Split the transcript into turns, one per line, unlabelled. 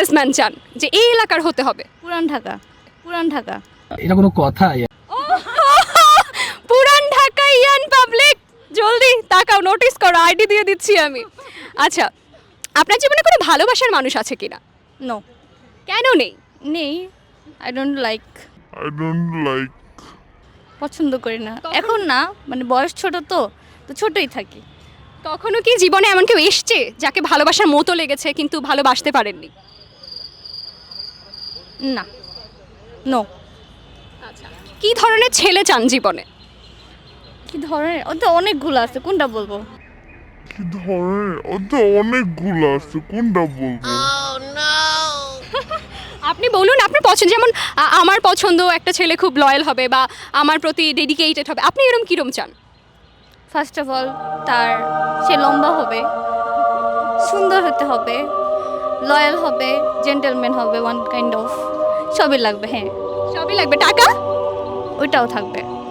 Businessman চান যে এই এলাকার হতে হবে?
পুরান ঢাকা, পুরান ঢাকা।
এটা কোনো কথা?
পুরান ঢাকা ইয়ান পাবলিক, জলদি তাকাও, নোটিস করো, আইডি দিয়ে দিচ্ছি আমি। আচ্ছা, আপনার জীবনে কোনো ভালোবাসার মানুষ আছে কিনা?
নো,
কেন নেই?
নেই। I don't like,
I don't like.
পছন্দ করি না এখন না, মানে বয়স ছোট তো তো ছোটই থাকি।
কখনো কি জীবনে এমন কেউ এসছে যাকে ভালোবাসার মতো লেগেছে কিন্তু ভালোবাসতে পারেননি?
না, নো।
আচ্ছা, কি ধরনের ছেলে চান জীবনে?
কি ধরনের, ও তো অনেকগুলো আছে, কোনটা বলবো?
কি ধরনের? ও তো অনেকগুলো আছে, কোনটা বলবো?
আপনি বলুন আপনার পছন্দ, যেমন আমার পছন্দ একটা ছেলে খুব লয়াল হবে বা আমার প্রতি ডেডিকেটেড হবে, আপনি এরকম কীরকম চান?
ফার্স্ট অফ অল সে লম্বা হবে, সুন্দর হতে হবে, লয়াল হবে, জেন্টলম্যান হবে, ওয়ান কাইন্ড অফ সবই লাগবে। হ্যাঁ,
সবই লাগবে, টাকা?
ওইটাও থাকবে।